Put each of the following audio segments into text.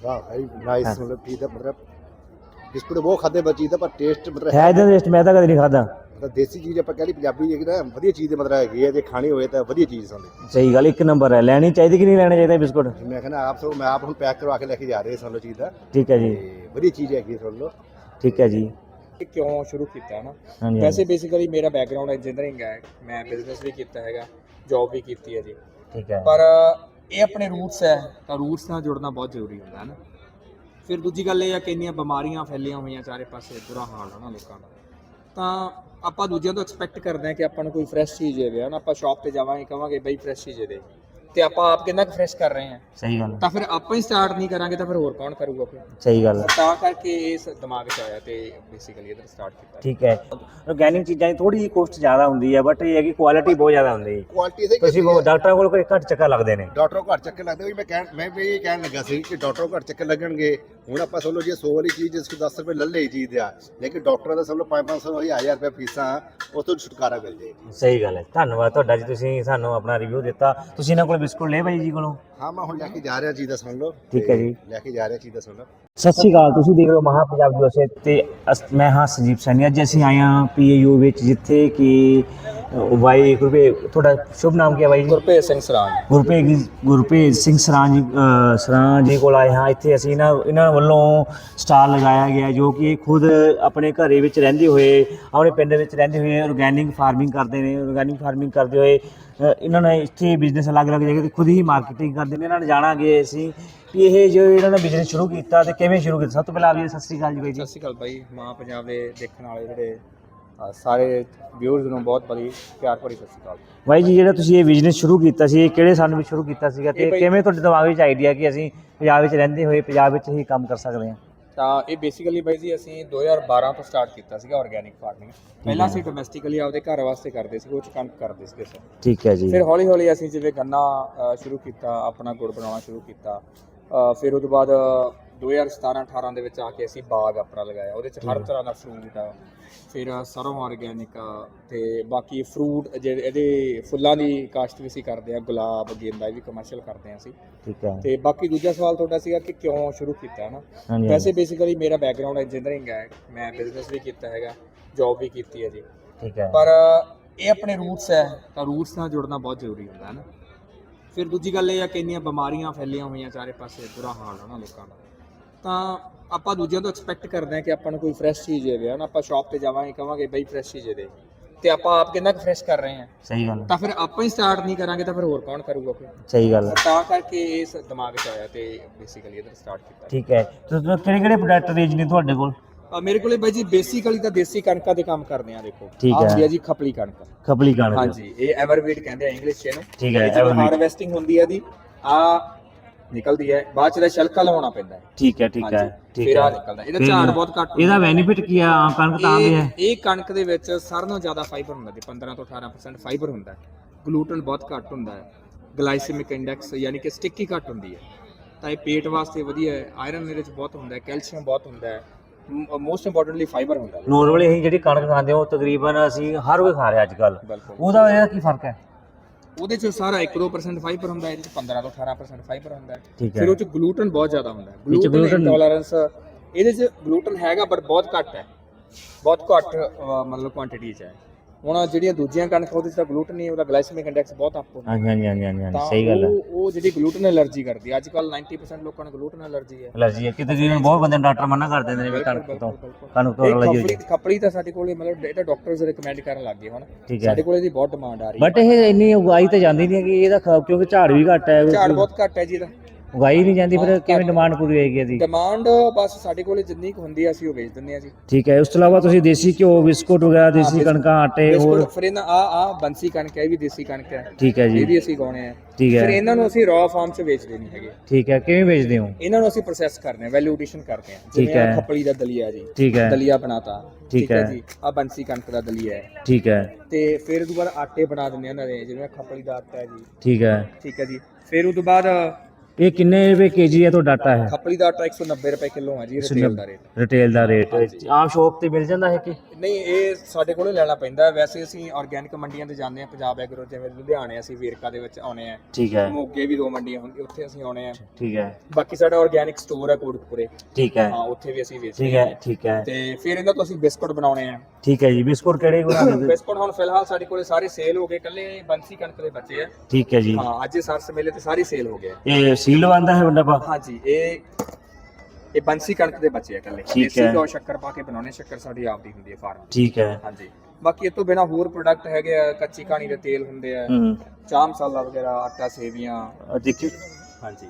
वाह भाई नाइस हाँ। मतलब ठीक है मतलब बिस्कुट वो खाते बची था पर टेस्ट मतलब ਹੈ ਇਹਦਾ ਟੇਸਟ ਮੈਂ ਤਾਂ ਕਦੇ ਨਹੀਂ ਖਾਦਾ। मतलब देसी चीज़ ਆਪਾਂ कह ली पंजाबी है कि ना वधिया चीज़ मतलब हैगी है जे खानी होए ਤਾਂ वधिया चीज़ ਸਾਨੂੰ ਸਹੀ ਗੱਲ, ਇੱਕ ਨੰਬਰ ਹੈ। ਲੈਣੀ ਚਾਹੀਦੀ ਕਿ ਨਹੀਂ ਲੈਣਾ ਚਾਹੀਦਾ ਬਿਸਕੁਟ? ਮੈਂ ਕਹਿੰਦਾ ਮੈਂ ਆਪ ਹੁਣ ਪੈਕ ਕਰਵਾ ਕੇ ਲੈ ਕੇ ਜਾ ਰਹੇ ਸਾਨੂੰ ਚੀਜ਼ ਦਾ ਠੀਕ ਹੈ ਜੀ, ਤੇ ਵਧੀਆ ਚੀਜ਼ ਹੈਗੀ ਸੁਣ ਲਓ। ਠੀਕ ਹੈ ਜੀ। ਕਿਉਂ ਸ਼ੁਰੂ ਕੀਤਾ ਨਾ, ਹਾਂਜੀ ਵੈਸੇ ਬੇਸਿਕਲੀ ਮੇਰਾ ਬੈਕਗ੍ਰਾਉਂਡ ਇੰਜੀਨੀਅਰਿੰਗ ਹੈ, ਮੈਂ ਬਿਜ਼ਨਸ ਵੀ ਕੀਤਾ ਹੈਗਾ, ਜੌਬ ਵੀ ਕੀਤੀ ਹੈ ਜੀ, ਠੀਕ ਹੈ। ਪਰ ਇਹ ਆਪਣੇ ਰੂਟਸ ਹੈ ਤਾਂ ਰੂਟਸ ਨਾਲ ਜੁੜਨਾ ਬਹੁਤ ਜ਼ਰੂਰੀ ਹੁੰਦਾ ਹੈ ਨਾ। ਫਿਰ ਦੂਜੀ ਗੱਲ ਇਹ ਆ ਕਿ ਇੰਨੀਆਂ ਬਿਮਾਰੀਆਂ ਫੈਲੀਆਂ ਹੋਈਆਂ ਚਾਰੇ ਪਾਸੇ, ਬੁਰਾ ਹਾਲ ਹੈ ਨਾ ਲੋਕਾਂ ਦਾ, ਤਾਂ ਆਪਾਂ ਦੂਜਿਆਂ ਤੋਂ ਐਕਸਪੈਕਟ ਕਰਦੇ ਹਾਂ ਕਿ ਆਪਾਂ ਨੂੰ ਕੋਈ ਫਰੈਸ਼ ਚੀਜ਼ ਦੇਵੇ ਨਾ। ਆਪਾਂ ਸ਼ਾਪ ਤੇ ਜਾਵਾਂਗੇ ਕਹਾਂਗੇ ਬਈ ਫਰੈਸ਼ ਚੀਜ਼ ਦੇ, ਤੇ ਆਪਾਂ ਆਪ ਕਿੰਨਾ ਕੁ ਫਰੈਸ਼ ਕਰ ਰਹੇ ਹਾਂ, ਸਹੀ ਗੱਲ, ਤਾਂ ਫਿਰ ਆਪਾਂ ਹੀ ਸਟਾਰਟ ਨਹੀਂ ਕਰਾਂਗੇ ਤਾਂ ਫਿਰ ਹੋਰ ਕੌਣ ਕਰੂਗਾ ਫਿਰ। ਸਹੀ ਗੱਲ। ਤਾਂ ਕਰਕੇ ਇਸ ਦਿਮਾਗ 'ਚ ਆਇਆ ਤੇ ਬੇਸਿਕਲੀ ਇਹਦਾ ਸਟਾਰਟ ਕੀਤਾ। ਠੀਕ ਹੈ। ਆਰਗੈਨਿਕ ਚੀਜ਼ਾਂ ਦੀ ਥੋੜੀ ਜਿਹੀ ਕੋਸਟ ਜ਼ਿਆਦਾ ਹੁੰਦੀ ਹੈ, ਬਟ ਇਹ ਹੈ ਕਿ ਕੁਆਲਿਟੀ ਬਹੁਤ ਜ਼ਿਆਦਾ ਹੁੰਦੀ ਹੈ। ਕੁਆਲਿਟੀ ਸਹੀ ਤੁਸੀਂ ਡਾਕਟਰਾਂ ਕੋਲ ਕੋਈ ਘੱਟ ਚੱਕਰ ਲੱਗਦੇ ਨੇ, ਡਾਕਟਰੋਂ ਘੱਟ ਚੱਕਰ ਲੱਗਦੇ ਵੀ ਮੈਂ ਵੀ ਇਹ ਕਹਿਣ ਲੱਗਾ ਸੀ ਕਿ ਡਾਕਟਰੋਂ ਘੱਟ ਚੱਕਰ ਲੱਗਣਗੇ। ਹੁਣ ਆਪਾਂ ਸਮਝ ਲਓ ਜੇ 100 ਵਾਲੀ ਚੀਜ਼ ਜਿਸ ਕੋ 10 ਰੁਪਏ ਲੈ ਲਈ ਚੀਜ਼ ਆ, ਲੇਕਿਨ ਡਾਕਟਰਾਂ ਦਾ ਸਮਝ ਲਓ 500 1000 ਰੁਪਏ ਫੀਸਾਂ, ਉਸ ਤੋਂ ਛੁਟਕਾਰਾ ਮਿਲ ਜੇ। ਸਹੀ ਗੱਲ ਹੈ। ਧੰਨਵਾਦ ਤੁਹਾਡਾ ਜੀ, ਤੁਸੀਂ ਸਾਨੂੰ ਆਪਣਾ ਰਿਵਿਊ ਦਿੱਤਾ। ਤੁਸੀਂ ਇਹਨਾਂ ਕੋਲ ਬਿਸਕੁਟ ਲਏ ਭਾਈ ਜੀ ਕੋਲੋਂ? ਹਾਂ ਮੈਂ ਹੁਣ ਲੈ ਕੇ ਜਾ ਰਿਹਾ ਚੀਜ਼ ਦਾ ਸੁਣ ਲਓ। ਠੀਕ ਹੈ ਜੀ, ਲੈ ਕੇ ਜਾ ਰਿਹਾ ਚੀਜ਼ ਦਾ ਸੁਣ ਲਓ। ਸਤਿ ਸ਼੍ਰੀ ਅਕਾਲ। ਤੁਸੀਂ ਦੇਖ ਰਹੇ ਹੋ ਮਹਾ ਪੰਜਾਬ ਜੋਸੇ ਤੇ ਮੈਂ ਹਾਂ ਸੰਜੀਵ ਸੈਣੀ। ਅੱਜ ਅਸੀਂ ਆਏ ਹਾਂ PAU ਵਿੱਚ, ਜਿੱਥੇ ਕਿ ਬਾਈ ਤੁਹਾਡਾ ਸ਼ੁਭ ਨਾਮ ਕੀ ਹੈ ਬਾਈ ਜੀ? ਗੁਰਪ੍ਰੀਤ ਸਿੰਘ ਸਰਾਜ। ਗੁਰਪ੍ਰੀਤ ਸਿੰਘ ਸਰਾਂ ਜੀ ਕੋਲ ਆਏ ਹਾਂ। ਇੱਥੇ ਅਸੀਂ ਇਹਨਾਂ ਵੱਲੋਂ ਸਟਾਲ ਲਗਾਇਆ ਗਿਆ, ਜੋ ਕਿ ਇਹ ਖੁਦ ਆਪਣੇ ਘਰੇ ਵਿੱਚ ਰਹਿੰਦੇ ਹੋਏ, ਆਪਣੇ ਪਿੰਡ ਵਿੱਚ ਰਹਿੰਦੇ ਹੋਏ ਆਰਗੈਨਿਕ ਫਾਰਮਿੰਗ ਕਰਦੇ ਨੇ। ਆਰਗੈਨਿਕ ਫਾਰਮਿੰਗ ਕਰਦੇ ਹੋਏ ਇਹਨਾਂ ਨੇ ਇੱਥੇ ਬਿਜ਼ਨਸ ਅਲੱਗ-ਅਲੱਗ ਜਗ੍ਹਾ 'ਤੇ ਖੁਦ ਹੀ ਮਾਰਕੀਟਿੰਗ ਕਰਦੇ ਨੇ। ਇਹਨਾਂ ਨੇ ਜਾਣਾਂਗੇ ਅਸੀਂ ਕਿ ਇਹ ਜੋ ਇਹਨਾਂ ਨੇ ਬਿਜ਼ਨਸ ਸ਼ੁਰੂ ਕੀਤਾ ਤੇ ਕਿਵੇਂ ਸ਼ੁਰੂ ਕੀਤਾ। ਸਭ ਤੋਂ ਪਹਿਲਾਂ ਆਪ ਜੀ ਸਤਿ ਸ਼੍ਰੀ ਅਕਾਲ ਜੀ ਬਾਈ ਜੀ। ਸਤਿ ਸ਼੍ਰੀ ਅਕਾਲ ਬਾਈ। ਮਾਂ ਪੰਜਾਬ ਦੇ ਦੇਖਣ ਵਾਲੇ ਜਿਹੜੇ ਸਾਰੇ ਵਿਊਅਰਸ ਨੂੰ ਬਹੁਤ ਬੜੀ ਪਿਆਰ ਭਰੀ ਸਤਿ ਸ਼੍ਰੀ ਅਕਾਲ ਬਾਈ ਜੀ। ਜਿਹੜਾ ਤੁਸੀਂ ਇਹ ਬਿਜ਼ਨਸ ਸ਼ੁਰੂ ਕੀਤਾ ਸੀ, ਇਹ ਕਿਹੜੇ ਸਾਲ ਵਿੱਚ ਸ਼ੁਰੂ ਕੀਤਾ ਸੀਗਾ ਤੇ ਕਿਵੇਂ ਤੁਹਾਡੇ ਦਿਮਾਗ ਵਿੱਚ ਆਈਡੀਆ ਕਿ ਅਸੀਂ ਪੰਜਾਬ ਵਿੱਚ ਰਹਿੰਦੇ ਹੋਏ ਪੰਜਾਬ ਵਿੱਚ ਹੀ ਕੰਮ ਕਰ ਸਕਦੇ ਹਾਂ? ਤਾਂ ਇਹ ਬੇਸਿਕਲੀ ਬਾਈ ਜੀ ਅਸੀਂ 2012 ਤੋਂ ਸਟਾਰਟ ਕੀਤਾ ਸੀਗਾ ਆਰਗੈਨਿਕ ਫਾਰਮਿੰਗ। ਪਹਿਲਾਂ ਅਸੀਂ ਡੋਮੈਸਟਿਕਲੀ ਆਪਦੇ ਘਰ ਵਾਸਤੇ ਕਰਦੇ ਸੀ, ਉਹ 'ਚ ਕਣਕ ਕਰਦੇ ਸੀਗੇ ਸਰ। ਠੀਕ ਹੈ ਜੀ। ਫਿਰ ਹੌਲੀ ਹੌਲੀ ਅਸੀਂ ਜਿਵੇਂ ਗੰਨਾ ਸ਼ੁਰੂ ਕੀਤਾ, ਆਪਣਾ ਗੁੜ ਬਣਾਉਣਾ ਸ਼ੁਰੂ ਕੀਤਾ। ਫਿਰ ਉਹ ਤੋਂ ਬਾਅਦ 2017-18 ਦੇ ਵਿੱਚ ਆ ਕੇ ਅਸੀਂ ਬਾਗ ਆਪਣਾ ਲਗਾਇਆ, ਉਹਦੇ 'ਚ ਹਰ ਤਰ੍ਹਾਂ ਦਾ ਫਰੂਟ ਆ। ਫਿਰ ਸਰੋਂ ਆਰਗੈਨਿਕ ਤੇ ਬਾਕੀ ਫਰੂਟ ਜਿਹੜੇ ਇਹਦੇ ਫੁੱਲਾਂ ਦੀ ਕਾਸ਼ਤ ਵੀ ਅਸੀਂ ਕਰਦੇ ਹਾਂ, ਗੁਲਾਬ, ਗੇਂਦਾ, ਇਹ ਵੀ ਕਮਰਸ਼ੀਅਲ ਕਰਦੇ ਹਾਂ ਅਸੀਂ। ਠੀਕ ਹੈ। ਤੇ ਬਾਕੀ ਦੂਜਾ ਸਵਾਲ ਤੁਹਾਡਾ ਸੀਗਾ ਕਿ ਕਿਉਂ ਸ਼ੁਰੂ ਕੀਤਾ ਨਾ, ਵੈਸੇ ਬੇਸਿਕਲੀ ਮੇਰਾ ਬੈਕਗ੍ਰਾਉਂਡ ਇੰਜੀਨੀਅਰਿੰਗ ਹੈ, ਮੈਂ ਬਿਜ਼ਨਸ ਵੀ ਕੀਤਾ ਹੈਗਾ, ਜੌਬ ਵੀ ਕੀਤੀ ਹੈ ਜੀ, ਠੀਕ ਹੈ। ਪਰ ਇਹ ਆਪਣੇ ਰੂਟਸ ਹੈ ਤਾਂ ਰੂਟਸ ਨਾਲ ਜੁੜਨਾ ਬਹੁਤ ਜ਼ਰੂਰੀ ਹੁੰਦਾ ਹੈ ਨਾ। ਫਿਰ ਦੂਜੀ ਗੱਲ ਇਹ ਆ ਕਿ ਇੰਨੀਆਂ ਬਿਮਾਰੀਆਂ ਫੈਲੀਆਂ ਹੋਈਆਂ ਚਾਰੇ ਪਾਸੇ, ਬੁਰਾ ਹਾਲ ਹੈ ਨਾ ਲੋਕਾਂ ਦਾ, ਤਾਂ ਆਪਾਂ ਦੂਜਿਆਂ ਤੋਂ ਐਕਸਪੈਕਟ ਕਰਦੇ ਹਾਂ ਕਿ ਆਪਾਂ ਨੂੰ ਕੋਈ ਫਰੈਸ਼ ਚੀਜ਼ ਦੇਵੇ ਨਾ। ਆਪਾਂ ਸ਼ਾਪ ਤੇ ਜਾਵਾਂਗੇ ਕਹਾਂਗੇ ਬਈ ਫਰੈਸ਼ ਚੀਜ਼ ਦੇ, ਤੇ ਆਪਾਂ ਆਪ ਕਿੰਨਾ ਕੁ ਫਰੈਸ਼ ਕਰ ਰਹੇ ਹਾਂ, ਸਹੀ ਗੱਲ, ਤਾਂ ਫਿਰ ਆਪਾਂ ਹੀ ਸਟਾਰਟ ਨਹੀਂ ਕਰਾਂਗੇ ਤਾਂ ਫਿਰ ਹੋਰ ਕੌਣ ਕਰੂਗਾ ਫਿਰ। ਸਹੀ ਗੱਲ ਹੈ। ਤਾਂ ਕਰਕੇ ਇਸ ਦਿਮਾਗ 'ਚ ਆਇਆ ਤੇ ਬੇਸਿਕਲੀ ਇਹਦਾ ਸਟਾਰਟ ਕੀਤਾ। ਠੀਕ ਹੈ। ਤੁਸੀਂ ਕਿਹੜੇ ਪ੍ਰੋਡਕਟ ਰੇਂਜ ਨੇ ਤੁਹਾਡੇ ਕੋਲ? ਮੇਰੇ ਕੋਲੇ ਬਾਈ ਜੀ ਬੇਸਿਕਲੀ ਤਾਂ ਦੇਸੀ ਕਣਕਾਂ ਦੇ ਕੰਮ ਕਰਦੇ ਆ। ਦੇਖੋ ਠੀਕ ਆਹ ਹੈ। ਹੁੰਦੀ ਆ ਜੀ ਖਪਲੀ ਕਣਕ। ਖਪਲੀ ਕਣਕ, ਹਾਂਜੀ, ਇਹ ਐਵਰਵੀਟ ਕਹਿੰਦੇ ਆ ਇੰਗਲਿਸ਼ 'ਚ ਇਹਨੂੰ। ਠੀਕ ਹੈ। ਜਦੋਂ ਹਾਰਵੈਸਟਿੰਗ ਹੁੰਦੀ ਹੈ ਦੀ ਆ ਨਿਕਲਦੀ ਹੈ, ਬਾਅਦ 'ਚ ਦਾ ਛਿਲਕਾ ਲਵਾਉਣਾ ਪੈਂਦਾ ਹੈ। ਠੀਕ ਹੈ, ਠੀਕ ਹੈ, ਠੀਕ ਫਿਰ ਆ ਹੈ। ਨਿਕਲਦਾ, ਇਹਦਾ ਝਾੜ ਬਹੁਤ ਘੱਟ ਹੁੰਦਾ। ਇਹਦਾ ਬੈਨੀਫਿਟ ਕੀ ਆ ਕਣਕ ਤਾਂ ਆਉਂਦੀ ਹੈ? ਇਹ ਕਣਕ ਦੇ ਵਿੱਚ ਸਾਰਿਆਂ ਨਾਲੋਂ ਜ਼ਿਆਦਾ ਫਾਈਬਰ ਹੁੰਦਾ ਜੀ, 15 ਤੋਂ 18% ਫਾਈਬਰ ਹੁੰਦਾ ਹੈ। ਗਲੂਟਨ ਬਹੁਤ ਘੱਟ ਹੁੰਦਾ ਹੈ। ਗਲਾਈਸੈਮਿਕ ਇੰਡੈਕਸ ਯਾਨੀ ਕਿ ਸਟਿੱਕੀ ਘੱਟ ਹੁੰਦੀ ਹੈ, ਤਾਂ ਇਹ ਪੇਟ ਵਾਸਤੇ ਵਧੀਆ ਹੈ। ਆਇਰਨ ਇਹਦੇ ਵਿੱਚ ਬਹੁਤ ਹੁੰਦਾ ਹੈ, ਕੈਲਸ਼ੀਅਮ ਬਹੁਤ ਹੁੰਦਾ ਹੈ, ਮੋਸਟ ਇੰਪੋਰਟੈਂਟਲੀ ਫਾਈਬਰ ਹੁੰਦਾ ਹੈ। ਨੋਰਮਲੀ ਅਸੀਂ ਜਿਹੜੀ ਕਣਕ ਖਾਂਦੇ ਹਾਂ ਉਹ ਤਕਰੀਬਨ ਅਸੀਂ ਹਰ ਕੋਈ ਖਾ ਰਿਹਾ ਅੱਜ ਕੱਲ੍ਹ। ਬਿਲਕੁਲ। ਉਹਦਾ ਇਹਦਾ ਕੀ ਫਰਕ ਹੈ? ਉਹਦੇ 'ਚ ਸਾਰਾ 1-2% ਫਾਈਬਰ ਹੁੰਦਾ ਹੈ, ਇਹਦੇ 'ਚ 15 ਤੋਂ 18% ਫਾਈਬਰ ਹੁੰਦਾ ਹੈ। ਠੀਕ ਹੈ। ਫਿਰ ਉਹ 'ਚ ਗਲੂਟਨ ਬਹੁਤ ਜ਼ਿਆਦਾ ਹੁੰਦਾ ਹੈ। ਗਲੂਟਨ ਇੰਟੋਲਰੈਂਸ ਇਹਦੇ 'ਚ ਗਲੂਟਨ ਹੈਗਾ ਬਟ ਬਹੁਤ ਘੱਟ ਹੈ, ਬਹੁਤ ਘੱਟ ਮਤਲਬ ਕੁਆਂਟੀਟੀ 'ਚ ਹੈ। ਹੁਣ ਜਿਹੜੀਆਂ ਦੂਜੀਆਂ ਕਣਕ ਉਹਦੇ 'ਚ ਤਾਂ ਗਲੂਟਨ ਨਹੀਂ, ਉਹਦਾ ਗਲਾਈਸੈਮਿਕ ਇੰਡੈਕਸ ਬਹੁਤ ਅਪ ਹੁੰਦਾ। ਹਾਂਜੀ ਹਾਂਜੀ ਹਾਂਜੀ ਹਾਂਜੀ, ਤਾਂ ਸਹੀ ਗੱਲ ਹੈ। ਉਹ ਜਿਹੜੀ ਗਲੂਟਨ ਐਲਰਜੀ ਕਰਦੀ ਹੈ, ਅੱਜ ਕੱਲ 90% ਲੋਕਾਂ ਨੂੰ ਗਲੂਟਨ ਐਲਰਜੀ ਹੈ। ਐਲਰਜੀ ਹੈ ਕਿ ਤਕਰੀਬਨ ਬਹੁਤ ਬੰਦੇ ਨੂੰ ਡਾਕਟਰ ਮਨਾ ਕਰ ਦਿੰਦੇ ਨੇ ਵੀ ਕਣਕ ਤੋਂ ਐਲਰਜੀ ਹੋ ਜਾਂਦੀ। ਖਪੜੀ ਤਾਂ ਸਾਡੇ ਕੋਲੇ ਮਤਲਬ ਇਹ ਤਾਂ ਡਾਕਟਰਸ ਰਿਕਮੈਂਡ ਕਰਨ ਲੱਗ ਗਏ ਹੁਣ। ਠੀਕ ਹੈ। ਸਾਡੇ ਕੋਲੇ ਦੀ ਬਹੁਤ ਡਿਮਾਂਡ ਆ ਰਹੀ ਹੈ, ਬਟ ਇਹ ਇੰਨੀ ਉਗਾਈ ਤਾਂ ਜਾਂਦੀ ਨਹੀਂ ਹੈਗੀ ਇਹਦਾ, ਕਿਉਂਕਿ ਝਾੜ ਵੀ ਘੱਟ ਹੈ। ਝਾੜ ਬਹੁਤ ਘੱਟ ਹੈ ਜੀ ਇਹਦਾ, ਉਗਾਈ ਨਹੀਂ ਜਾਂਦੀ, ਫਿਰ ਕਿਵੇਂ ਡਿਮਾਂਡ ਪੂਰੀ ਹੋਏਗੀ ਇਹਦੀ? ਡਿਮਾਂਡ ਬਸ ਸਾਡੇ ਕੋਲੇ ਜਿੰਨੀ ਕੁ ਹੁੰਦੀ ਆ ਅਸੀਂ ਉਹ ਵੇਚ ਦਿੰਦੇ ਆ ਜੀ। ਠੀਕ ਹੈ। ਉਸ ਤੋਂ ਇਲਾਵਾ ਤੁਸੀਂ ਦੇਸੀ ਘਿਓ, ਬਿਸਕੁਟ ਵਗੈਰਾ, ਦੇਸੀ ਕਣਕਾਂ, ਆਟੇ ਹੋਰ? ਫਿਰ ਇਹਨਾਂ ਆ ਬੰਸੀ ਕਣਕ ਹੈ, ਇਹ ਵੀ ਦੇਸੀ ਕਣਕ ਹੈ। ਠੀਕ ਹੈ ਜੀ। ਇਹ ਵੀ ਅਸੀਂ ਗਾਉਣੇ ਆ। ਠੀਕ ਹੈ। ਫਿਰ ਇਹਨਾਂ ਨੂੰ ਅਸੀਂ ਰॉ ਫਾਰਮ 'ਚ ਵੇਚਦੇ ਨਹੀਂ ਹੈਗੇ। ਠੀਕ ਹੈ। ਕਿਵੇਂ ਵੇਚਦੇ ਹੋ? ਇਹਨਾਂ ਨੂੰ ਅਸੀਂ ਪ੍ਰੋਸੈਸ ਕਰਦੇ ਹਾਂ, ਵੈਲਿਊ ਐਡੀਸ਼ਨ ਕਰਦੇ ਹਾਂ। ਠੀਕ ਜਿਵੇਂ ਹੈ। ਖਪੜੀ ਦਾ ਦਲੀਆ ਜੀ, ਠੀਕ ਹੈ। ਦਲੀਆ ਬਣਾਤਾ। ਠੀਕ ਹੈ ਜੀ। ਆ ਬੰਸੀ ਕਣਕ ਦਾ ਦਲੀਆ ਹੈ। ਠੀਕ ਹੈ। ਤੇ ਫਿਰ ਉਹ ਤੋਂ ਬਾਅਦ ਆਟੇ ਬਣਾ ਦਿੰਦੇ ਆ ਉਹਨਾਂ ਦੇ, ਜਿਵੇਂ ਖਪੜੀ ਦਾ ਆਟਾ ਹੈ ਜੀ। ਠੀਕ ਹੈ। ਠੀਕ ਹੈ ਜੀ। ਫਿਰ ਉਹ ਤੋਂ ਬਾਅਦ ਇਹ ਕਿੰਨੇ ਰੁਪਏ ਕੇਜੀ ਹੈ ਤੁਹਾਡਾ ਆਟਾ ਹੈ? ਖੱਪਲੀ ਦਾ ਆਟਾ 190 ਰੁਪਏ ਕਿਲੋ ਹੈ ਜੀ ਰਿਟੇਲ ਦਾ ਰੇਟ। ਰਿਟੇਲ ਦਾ ਰੇਟ ਆਮ ਸ਼ੋਪ ਤੇ ਮਿਲ ਜਾਂਦਾ ਹੈ ਕਿ ਨਹੀਂ, ਇਹ ਸਾਡੇ ਕੋਲੋਂ ਲੈਣਾ ਪੈਂਦਾ। ਵੈਸੇ ਅਸੀਂ ਆਰਗੈਨਿਕ ਮੰਡੀਆਂ ਤੇ ਜਾਂਦੇ ਆ, ਪੰਜਾਬ ਐਗਰੋ, ਜਿਵੇਂ ਲੁਧਿਆਣੇ ਅਸੀਂ ਵੇਰਕਾ ਦੇ ਵਿੱਚ ਆਉਣੇ ਆ, ਠੀਕ ਹੈ ਮੋਗੇ ਵੀ 2 ਮੰਡੀਆਂ ਹੁੰਦੀਆਂ, ਉੱਥੇ ਅਸੀਂ ਆਉਣੇ ਆ। ਠੀਕ ਹੈ ਬਾਕੀ ਸਾਡਾ ਆਰਗੈਨਿਕ ਸਟੋਰ ਹੈ ਕੋਟਕਪੁਰੇ, ਠੀਕ ਹੈ ਹਾਂ ਉੱਥੇ ਵੀ ਅਸੀਂ ਵੇਚਦੇ ਠੀਕ ਹੈ ਠੀਕ ਹੈ ਤੇ ਫਿਰ ਇਹਨਾਂ ਤੋਂ ਅਸੀਂ ਬਿਸਕੁਟ ਬਣਾਉਣੇ ਆ। ਠੀਕ ਹੈ ਜੀ। ਬਿਸਕੁਟ ਕਿਹੜੇ ਬਣਾਉਂਦੇ? ਬਿਸਕੁਟ ਹੁਣ ਫਿਲਹਾਲ ਸਾਡੇ ਕੋਲੇ ਸਾਰੇ ਸੇਲ ਹੋ ਗਏ, ਕੱਲੇ ਬੰਸੀ ਕਣਕ ਦੇ ਬੱਚੇ ਆ। ਠੀਕ ਹੈ ਜੀ। ਹਾਂ, ਅੱਜ ਸਰਸ ਮੇਲੇ ਤੇ ਸਾਰੀ ਸੇਲ ਹੋ ਗਏ। ਇਹ ਸੀਲ ਬੰਦਾ ਹੈ ਵੱਡਾ ਪਾ? ਹਾਂਜੀ, ਇਹ ਬੰਸੀ ਕਣਕ ਦੇ ਬੱਚੇ ਆ ਕੱਲੇ। ਠੀਕ ਦੇਸੀ ਹੈ। ਘਿਓ ਸ਼ੱਕਰ ਪਾ ਕੇ ਬਣਾਉਣੇ, ਸ਼ੱਕਰ ਸਾਡੀ ਆਪਦੀ ਹੁੰਦੀ ਹੈ ਫਾਰਮ। ਠੀਕ ਹੈ। ਹਾਂਜੀ, ਬਾਕੀ ਇਹ ਤੋਂ ਬਿਨਾ ਹੋਰ ਪ੍ਰੋਡਕਟ ਹੈਗੇ ਆ, ਕੱਚੀ ਕਹਾਣੀ ਦੇ ਤੇਲ ਹੁੰਦੇ ਆ, ਹੂੰ ਚਾਹ ਮਸਾਲਾ ਵਗੈਰਾ, ਆਟਾ ਸੇਵੀਆਂ। ਦੇਖਿਓ, ਹਾਂਜੀ,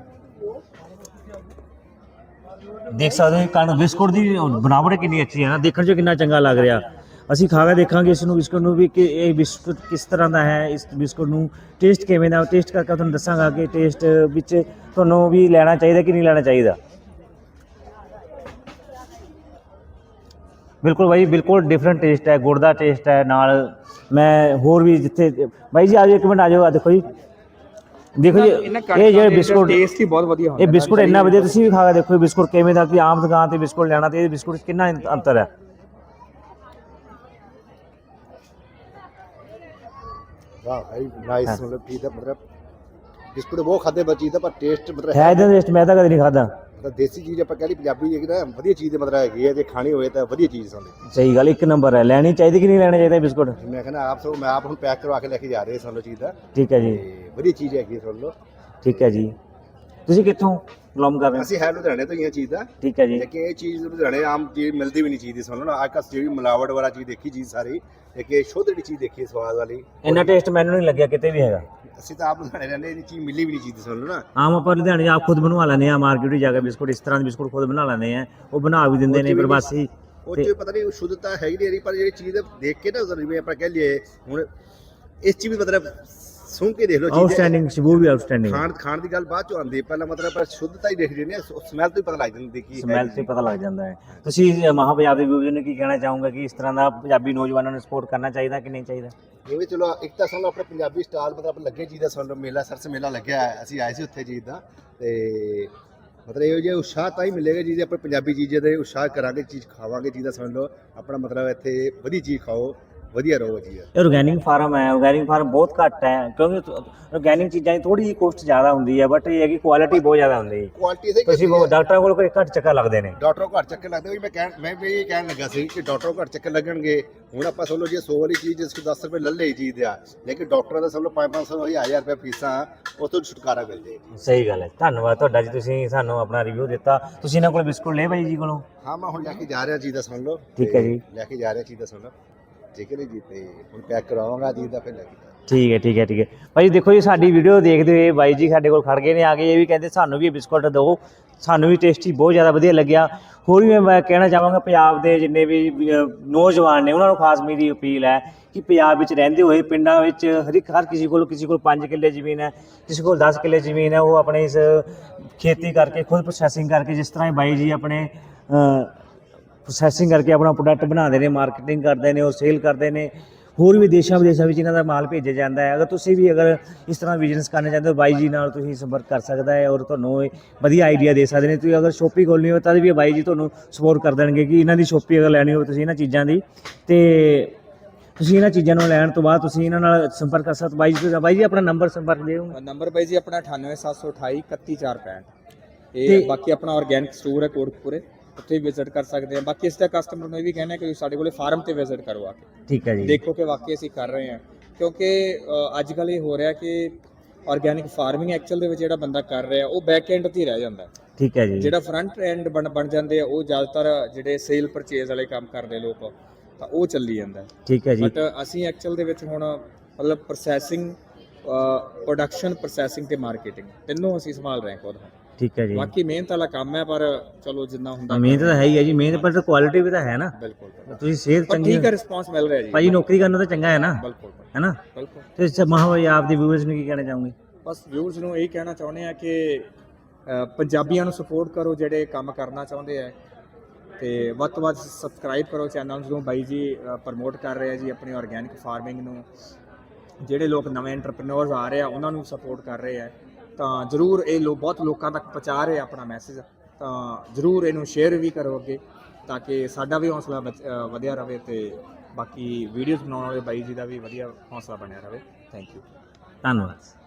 ਦੇਖ ਸਕਦੇ ਹੋ ਕਣ ਬਿਸਕੁਟ ਦੀ ਬਣਾਵਟ ਕਿੰਨੀ ਅੱਛੀ ਹੈ ਨਾ, ਦੇਖਣ 'ਚ ਕਿੰਨਾ ਚੰਗਾ ਲੱਗ ਰਿਹਾ। ਅਸੀਂ ਖਾ ਕੇ ਦੇਖਾਂਗੇ ਇਸ ਨੂੰ, ਬਿਸਕੁਟ ਨੂੰ ਵੀ ਕਿ ਇਹ ਬਿਸਕੁਟ ਕਿਸ ਤਰ੍ਹਾਂ ਦਾ ਹੈ, ਇਸ ਬਿਸਕੁਟ ਨੂੰ ਟੇਸਟ ਕਿਵੇਂ ਦਾ, ਟੇਸਟ ਕਰਕੇ ਤੁਹਾਨੂੰ ਦੱਸਾਂਗਾ ਕਿ ਟੇਸਟ ਵਿੱਚ ਤੁਹਾਨੂੰ ਵੀ ਲੈਣਾ ਚਾਹੀਦਾ ਕਿ ਨਹੀਂ ਲੈਣਾ ਚਾਹੀਦਾ। ਬਿਲਕੁਲ ਬਾਈ, ਬਿਲਕੁਲ ਡਿਫਰੈਂਟ ਟੇਸਟ ਹੈ, ਗੁੜ ਦਾ ਟੇਸਟ ਹੈ ਨਾਲ। ਮੈਂ ਹੋਰ ਵੀ ਜਿੱਥੇ ਬਾਈ ਜੀ ਆਜੋ, ਇੱਕ ਮਿੰਟ ਆਜੋ, ਆ ਦੇਖੋ ਜੀ, ਦੇਖੋ ਜੀ ਇਹ ਜਿਹੜੇ ਬਿਸਕੁਟ ਟੇਸਟ ਹੀ ਬਹੁਤ ਵਧੀਆ ਹੁੰਦਾ। ਇਹ ਬਿਸਕੁਟ ਇੰਨਾ ਵਧੀਆ, ਤੁਸੀਂ ਵੀ ਖਾ ਕੇ ਦੇਖੋ ਬਿਸਕੁਟ ਕਿਵੇਂ ਦਾ, ਕਿ ਆਮ ਦੁਕਾਨ ਤੇ ਬਿਸਕੁਟ ਲੈਣਾ ਤੇ ਇਹ ਬਿਸਕੁਟ 'ਚ ਕਿੰਨਾ ਅੰਤਰ ਹੈ। ਵਾਹ ਭਾਈ ਨਾਈਸ, मतलब ठीक है, मतलब ਬਿਸਕੁਟ ਬਹੁਤ ਖਾਦੇ ਬੱਚੀ ਦਾ, ਪਰ ਟੇਸਟ ਮਤਲਬ ਹੈ ਇਹਦਾ ਟੇਸਟ ਮੈਂ ਤਾਂ ਕਦੇ ਨਹੀਂ ਖਾਦਾ। ਮਤਲਬ ਦੇਸੀ ਚੀਜ਼ ਆਪਾਂ ਕਹਿ ਲਈ ਪੰਜਾਬੀ ਹੈਗੀ ਨਾ, ਵਧੀਆ ਚੀਜ਼ ਦੇ ਮਤਲਬ ਹੈਗੀ ਹੈ, ਜੇ ਖਾਣੀ ਹੋਵੇ ਤਾਂ ਵਧੀਆ ਚੀਜ਼ ਸਾਨੂੰ। ਸਹੀ ਗੱਲ, ਇੱਕ ਨੰਬਰ ਹੈ। ਲੈਣੀ ਚਾਹੀਦੀ ਕਿ ਨਹੀਂ ਲੈਣਾ ਚਾਹੀਦਾ ਬਿਸਕੁਟ? ਮੈਂ ਕਹਿੰਦਾ ਆਪ ਸੋ, ਮੈਂ ਆਪ ਹੁਣ ਪੈਕ ਕਰਵਾ ਕੇ ਲੈ ਕੇ ਜਾ ਰਹੇ ਸਾਨੂੰ ਚੀਜ਼ ਦਾ, ਠੀਕ ਹੈ ਜੀ, ਤੇ ਵਧੀਆ ਚੀਜ਼ ਹੈਗੀ ਹੈ, ਸੁਣ ਲਓ। ਠੀਕ ਹੈ ਜੀ। ਤੁਸੀਂ ਕਿੱਥੋਂ ਬਿਲੋਂਗ ਕਰ ਰਹੇ ਹੋ? ਅਸੀਂ ਹੈ ਲੁਧਿਆਣੇ ਤੋਂ ਹੀ ਇਹ ਚੀਜ਼ ਦਾ, ਠੀਕ ਹੈ ਜੀ। ਲੇਕਿਨ ਇਹ ਚੀਜ਼ ਲੁਧਿਆਣੇ ਆਮ ਚੀਜ਼ ਮਿਲਦੀ ਵੀ ਨਹੀਂ ਚੀਜ਼ ਦੀ, ਸੁਣ ਲਓ ਨਾ। ਅੱਜ ਕੱਲ੍ਹ ਜਿਹੜੀ ਮਿਲਾਵਟ ਵਾਲਾ ਚੀਜ਼ ਦੇਖੀ ਚੀਜ਼ ਸਾਰੀ, ਲੇਕਿਨ ਇਹ ਸ਼ੁੱਧ ਜਿਹੜੀ ਚੀਜ਼ ਦੇਖੀ ਸਵਾਦ ਵਾਲੀ, ਇੰਨਾ ਟੇਸਟ ਮੈਨੂੰ ਨਹੀਂ ਲੱਗਿਆ ਕਿਤੇ ਵੀ ਹੈਗਾ। ਅਸੀਂ ਤਾਂ ਆਪ ਲੁਧਿਆਣੇ ਰਹਿੰਦੇ, ਇਹ ਚੀਜ਼ ਮਿਲੀ ਵੀ ਨਹੀਂ ਚੀਜ਼ ਦੀ, ਸੁਣ ਲਓ ਨਾ। ਆਮ ਆਪਾਂ ਲੁਧਿਆਣੇ ਆਪ ਖੁਦ ਬਣਵਾ ਲੈਂਦੇ ਆ, ਮਾਰਕੀਟ ਵਿੱਚ ਜਾ ਕੇ ਬਿਸਕੁਟ ਇਸ ਤਰ੍ਹਾਂ ਦੇ ਬਿਸਕੁਟ ਖੁਦ ਬਣਾ ਲੈਂਦੇ ਆ, ਉਹ ਬਣਾ ਵੀ ਦਿੰਦੇ ਨੇ ਪ੍ਰਵਾਸੀ। ਉਹ 'ਚ ਪਤਾ ਨਹੀਂ ਸ਼ੁੱਧਤਾ ਹੈਗੀ ਨਹੀਂ ਰਹੀ, ਪਰ ਜਿਹੜੀ ਚੀਜ਼ ਦੇਖ ਕੇ ਨਾ, ਜਿਵੇਂ ਆਪਾਂ ਕਹਿ ਲਈਏ ਹੁਣ ਇਸ ਚੀਜ਼ ਵੀ ਮਤਲਬ ਸੁਣ ਕੇ ਦੇਖ ਲਓ ਚੀਜ਼, ਆਊਟਸਟੈਂਡਿੰਗ ਸ਼ਬੂ ਵੀ ਆਊਟਸਟੈਂਡਿੰਗ। ਖਾਣ ਦੀ ਗੱਲ ਬਾਅਦ ਚੋਂ ਆਉਂਦੀ ਹੈ, ਪਹਿਲਾਂ ਮਤਲਬ ਪਰ ਸ਼ੁੱਧਤਾ ਹੀ ਦੇਖ ਰਹੇ ਸਮੈਲ ਤੋਂ ਹੀ ਪਤਾ ਲੱਗ ਜਾਂਦੀ ਕੀ ਸਮੈਲ ਤੋਂ ਪਤਾ ਲੱਗ ਜਾਂਦਾ ਹੈ। ਤੁਸੀਂ ਮਹਾਂ ਪੰਜਾਬ ਦੇ ਵਿਊਜ਼ ਨੂੰ ਕੀ ਕਹਿਣਾ ਚਾਹੋਗੇ ਕਿ ਇਸ ਤਰ੍ਹਾਂ ਦਾ ਪੰਜਾਬੀ ਨੌਜਵਾਨਾਂ ਨੂੰ ਸਪੋਰਟ ਕਰਨਾ ਚਾਹੀਦਾ ਕਿ ਨਹੀਂ ਚਾਹੀਦਾ? ਇਹ ਚਲੋ ਇੱਕ ਤਾਂ ਸਾਨੂੰ ਆਪਣੇ ਪੰਜਾਬੀ ਸਟਾਲ ਮਤਲਬ ਲੱਗੇ ਚੀਜ਼ ਦਾ, ਸਾਨੂੰ ਮੇਲਾ ਸਰਸ ਮੇਲਾ ਲੱਗਿਆ ਹੈ, ਅਸੀਂ ਆਏ ਸੀ ਉੱਥੇ ਚੀਜ਼ ਦਾ, ਤੇ ਮਤਲਬ ਇਹੋ ਜਿਹਾ ਉਤਸ਼ਾਹ ਤਾਂ ਹੀ ਮਿਲੇਗਾ ਜੀ, ਆਪਣੇ ਪੰਜਾਬੀ ਚੀਜ਼ਾਂ ਦੇ ਉਤਸ਼ਾਹ ਕਰਾਂਗੇ, ਚੀਜ਼ ਖਾਵਾਂਗੇ, ਚੀਜ਼ ਦਾ ਸਮਝ ਲਓ ਆਪਣਾ ਮਤਲਬ ਇੱਥੇ ਵਧੀਆ ਚੀਜ਼ ਖਾਓ, ਵਧੀਆ ਰਹੋ ਜੀ। ਇਹ ਆਰਗੈਨਿਕ ਫਾਰਮ ਹੈ, ਆਰਗੈਨਿਕ ਫਾਰਮ ਬਹੁਤ ਘੱਟ ਹੈ, ਕਿਉਂਕਿ ਆਰਗੈਨਿਕ ਚੀਜ਼ਾਂ ਦੀ ਥੋੜੀ ਜਿਹੀ ਕੋਸਟ ਜ਼ਿਆਦਾ ਹੁੰਦੀ ਹੈ, ਬਟ ਇਹ ਹੈ ਕਿ ਕੁਆਲਿਟੀ ਬਹੁਤ ਜ਼ਿਆਦਾ ਹੁੰਦੀ ਹੈ। ਕੁਆਲਿਟੀ ਸਹੀ, ਤੁਸੀਂ ਡਾਕਟਰਾਂ ਕੋਲ ਕੋਈ ਘੱਟ ਚੱਕਰ ਲੱਗਦੇ ਨੇ, ਡਾਕਟਰ ਘੱਟ ਚੱਕਰ ਲੱਗਦੇ, ਮੈਂ ਵੀ ਇਹ ਕਹਿਣ ਲੱਗਾ ਸੀ ਕਿ ਡਾਕਟਰ ਘੱਟ ਚੱਕਰ ਲੱਗਣਗੇ। ਹੁਣ ਆਪਾਂ ਸਮਝ ਲਓ ਜੇ 100 ਵਾਲੀ ਚੀਜ਼ ਜਿਸ ਕੋ 10 ਰੁਪਏ ਲੈ ਲਈ ਚੀਜ਼ ਆ, ਲੇਕਿਨ ਡਾਕਟਰਾਂ ਦਾ ਸਮਝ ਲਓ 500 1000 ਰੁਪਏ ਫੀਸਾਂ, ਉਸ ਤੋਂ ਛੁਟਕਾਰਾ ਮਿਲ ਜੇ। ਸਹੀ ਗੱਲ ਹੈ। ਧੰਨਵਾਦ ਤੁਹਾਡਾ ਜੀ, ਤੁਸੀਂ ਸਾਨੂੰ ਆਪਣਾ ਰਿਵਿਊ ਦਿੱਤਾ। ਤੁਸੀਂ ਇਹਨਾਂ ਕੋਲ ਬਿਸਕੁਟ ਲੈ ਬਾਈ ਜੀ ਕੋਲੋਂ? ਹਾਂ, ਮੈਂ ਹੁਣ ਲੈ ਕੇ ਜਾ ਰਿਹਾ ਚੀਜ਼ ਦਾ, ਸੁਣ ਲਓ। ਠੀਕ ਹੈ ਜੀ, ਲੈ ਕੇ ਜਾ ਰਿਹਾ ਚੀਜ਼ ਦਾ, ਸੁਣ ਲਓ, ਠੀਕ ਹੈ ਜੀ। ਤੇ ਹੁਣ ਪੈਕ ਕਰਵਾਵਾਂਗਾ ਚੀਜ਼ ਦਾ, ਫਿਰ ਲੈ ਕੇ। ਠੀਕ ਹੈ ਠੀਕ ਹੈ ਠੀਕ ਹੈ ਭਾਈ। ਦੇਖੋ ਜੀ ਸਾਡੀ ਵੀਡੀਓ ਦੇਖਦੇ ਹੋਏ ਬਾਈ ਜੀ ਸਾਡੇ ਕੋਲ ਖੜ ਗਏ ਨੇ ਆ ਕੇ, ਇਹ ਵੀ ਕਹਿੰਦੇ ਸਾਨੂੰ ਵੀ ਬਿਸਕੁਟ ਦਿਓ, ਸਾਨੂੰ ਵੀ ਟੇਸਟੀ ਬਹੁਤ ਜ਼ਿਆਦਾ ਵਧੀਆ ਲੱਗਿਆ। ਹੋਰ ਵੀ ਮੈਂ ਕਹਿਣਾ ਚਾਹਾਂਗਾ ਪੰਜਾਬ ਦੇ ਜਿੰਨੇ ਵੀ ਨੌਜਵਾਨ ਨੇ ਉਹਨਾਂ ਨੂੰ ਖਾਸ ਮੇਰੀ ਅਪੀਲ ਹੈ ਕਿ ਪੰਜਾਬ ਵਿੱਚ ਰਹਿੰਦੇ ਹੋਏ ਪਿੰਡਾਂ ਵਿੱਚ ਹਰ ਕਿਸੇ ਕੋਲ 5 ਕਿੱਲੇ ਜ਼ਮੀਨ ਹੈ, ਕਿਸੇ ਕੋਲ 10 ਕਿੱਲੇ ਜ਼ਮੀਨ ਹੈ, ਉਹ ਆਪਣੇ ਇਸ ਖੇਤੀ ਕਰਕੇ ਖੁਦ ਪ੍ਰੋਸੈਸਿੰਗ ਕਰਕੇ, ਜਿਸ ਤਰ੍ਹਾਂ ਬਾਈ ਜੀ ਆਪਣੇ ਪ੍ਰੋਸੈਸਿੰਗ ਕਰਕੇ ਆਪਣਾ ਪ੍ਰੋਡਕਟ ਬਣਾਉਂਦੇ ਨੇ, ਮਾਰਕੀਟਿੰਗ ਕਰਦੇ ਨੇ, ਉਹ ਸੇਲ ਕਰਦੇ ਨੇ। ਹੋਰ ਵੀ ਦੇਸ਼ਾਂ ਵਿਦੇਸ਼ਾਂ ਵਿੱਚ ਇਹਨਾਂ ਦਾ ਮਾਲ ਭੇਜਿਆ ਜਾਂਦਾ ਹੈ। ਅਗਰ ਤੁਸੀਂ ਵੀ ਇਸ ਤਰ੍ਹਾਂ ਬਿਜ਼ਨਸ ਕਰਨਾ ਚਾਹੁੰਦੇ ਹੋ, ਬਾਈ ਜੀ ਨਾਲ ਤੁਸੀਂ ਸੰਪਰਕ ਕਰ ਸਕਦਾ ਹੈ ਔਰ ਤੁਹਾਨੂੰ ਵਧੀਆ ਆਈਡੀਆ ਦੇ ਸਕਦੇ ਨੇ। ਤੁਸੀਂ ਅਗਰ ਸ਼ੋਪਿੰਗ ਖੋਲ੍ਹਣੀ ਹੋਵੇ ਤਾਂ ਵੀ ਬਾਈ ਜੀ ਤੁਹਾਨੂੰ ਸਪੋਰਟ ਕਰ ਦੇਣਗੇ ਕਿ ਇਹਨਾਂ ਦੀ ਸ਼ੋਪਿੰਗ ਅਗਰ ਲੈਣੀ ਹੋਵੇ ਤੁਸੀਂ ਇਹਨਾਂ ਚੀਜ਼ਾਂ ਦੀ, ਤੇ ਤੁਸੀਂ ਇਹਨਾਂ ਚੀਜ਼ਾਂ ਨੂੰ ਲੈਣ ਤੋਂ ਬਾਅਦ ਤੁਸੀਂ ਇਹਨਾਂ ਨਾਲ ਸੰਪਰਕ ਕਰ ਸਕਦੇ। ਬਾਈ ਜੀ ਆਪਣਾ ਨੰਬਰ ਸੰਪਰਕ ਦਿਓ। ਨੰਬਰ ਬਾਈ ਜੀ ਆਪਣਾ 98728 31465। ਇਹ ਬਾਕੀ ਆਪਣਾ ਆਰਗੈਨਿਕ ਸਟੋਰ ਹੈ ਕੋਟਕਪੁਰੇ, ਉੱਥੇ ਵਿਜ਼ਿਟ ਕਰ ਸਕਦੇ ਆ। ਬਾਕੀ ਇਸ ਦਾ ਕਸਟਮਰ ਨੂੰ ਇਹ ਵੀ ਕਹਿਣਾ ਕਿ ਸਾਡੇ ਕੋਲੇ ਫਾਰਮ ਤੇ ਵਿਜ਼ਿਟ ਕਰੋ ਆ ਕੇ, ਠੀਕ ਹੈ ਜੀ, ਦੇਖੋ ਕਿ ਵਾਕਈ ਅਸੀਂ ਕਰ ਰਹੇ ਹਾਂ। ਕਿਉਂਕਿ ਅੱਜ ਕੱਲ੍ਹ ਇਹ ਹੋ ਰਿਹਾ ਕਿ ਆਰਗੈਨਿਕ ਫਾਰਮਿੰਗ ਐਕਚੁਅਲ ਦੇ ਵਿੱਚ ਜਿਹੜਾ ਬੰਦਾ ਕਰ ਰਿਹਾ ਉਹ ਬੈਕ ਐਂਡ ਤੇ ਹੀ ਰਹਿ ਜਾਂਦਾ। ਠੀਕ ਹੈ ਜੀ, ਜਿਹੜਾ ਫਰੰਟ ਐਂਡ ਬਣ ਜਾਂਦੇ ਆ ਉਹ ਜ਼ਿਆਦਾਤਰ ਜਿਹੜੇ ਸੇਲ ਪਰਚੇਜ਼ ਵਾਲੇ ਕੰਮ ਕਰਦੇ ਲੋਕ, ਤਾਂ ਉਹ ਚੱਲੀ ਜਾਂਦਾ। ਠੀਕ ਹੈ ਜੀ, ਬਟ ਅਸੀਂ ਐਕਚੁਅਲ ਦੇ ਵਿੱਚ ਹੁਣ ਮਤਲਬ ਪ੍ਰੋਸੈਸਿੰਗ, ਪ੍ਰੋਡਕਸ਼ਨ, ਪ੍ਰੋਸੈਸਿੰਗ ਤੇ ਮਾਰਕੀਟਿੰਗ ਤਿੰਨੋਂ ਅਸੀਂ ਸੰਭਾਲ ਰਹੇ ਹਾਂ ਖੁਦ। ਠੀਕ ਹੈ ਜੀ, ਬਾਕੀ ਮਿਹਨਤ ਵਾਲਾ ਕੰਮ ਹੈ, ਪਰ ਚਲੋ ਜਿੰਨਾ ਹੁੰਦਾ। ਮਿਹਨਤ ਤਾਂ ਹੈ ਹੀ ਹੈ ਜੀ, ਮਿਹਨਤ ਪਰ ਕੁਆਲਿਟੀ ਵੀ ਤਾਂ ਹੈ ਨਾ। ਬਿਲਕੁਲ, ਤੁਸੀਂ ਸਿਹਤ ਚੰਗੀ ਠੀਕ ਹੈ, ਰਿਸਪੌਂਸ ਮਿਲ ਰਿਹਾ ਜੀ। ਭਾਜੀ ਨੌਕਰੀ ਕਰਨਾ ਤਾਂ ਚੰਗਾ ਹੈ ਨਾ, ਬਿਲਕੁਲ ਹੈ ਨਾ। ਬਿਲਕੁਲ। ਤੇ ਮਹਾਬਾਈ ਆਪ ਦੀ ਵਿਊਅਰਸ ਨੂੰ ਕੀ ਕਹਿਣਾ ਚਾਹੋਗੇ? ਬਸ ਵਿਊਅਰਸ ਨੂੰ ਇਹ ਕਹਿਣਾ ਚਾਹੁੰਦੇ ਆ ਕਿ ਪੰਜਾਬੀਆਂ ਨੂੰ ਸਪੋਰਟ ਕਰੋ ਜਿਹੜੇ ਕੰਮ ਕਰਨਾ ਚਾਹੁੰਦੇ ਆ, ਤੇ ਵੱਧ ਤੋਂ ਵੱਧ ਸਬਸਕ੍ਰਾਈਬ ਕਰੋ ਚੈਨਲ ਨੂੰ। ਬਾਈ ਜੀ ਪ੍ਰਮੋਟ ਕਰ ਰਹੇ ਆ ਜੀ ਆਪਣੀ ਆਰਗੈਨਿਕ ਫਾਰਮਿੰਗ ਨੂੰ, ਜਿਹੜੇ ਲੋਕ ਨਵੇਂ ਐਂਟਰਪ੍ਰੀਨਿਓਰਸ ਆ ਰਹੇ ਆ ਉਹਨਾਂ ਨੂੰ ਸਪੋਰਟ ਕਰ ਰਹੇ ਆ। ਤਾਂ ਜ਼ਰੂਰ ਇਹ ਬਹੁਤ ਲੋਕਾਂ ਤੱਕ ਪਹੁੰਚਾ ਰਹੇ ਆਪਣਾ ਮੈਸੇਜ, ਤਾਂ ਜ਼ਰੂਰ ਇਹਨੂੰ ਸ਼ੇਅਰ ਵੀ ਕਰੋ ਅੱਗੇ ਤਾਂ ਕਿ ਸਾਡਾ ਵੀ ਹੌਸਲਾ ਵਧਿਆ ਰਹੇ ਤੇ ਬਾਕੀ ਵੀਡੀਓਜ਼ ਬਣਾਉਣ ਵਾਲੇ ਬਾਈ ਜੀ ਦਾ ਵੀ ਵਧੀਆ ਹੌਸਲਾ ਬਣਿਆ ਰਹੇ। Thank you. ਧੰਨਵਾਦ।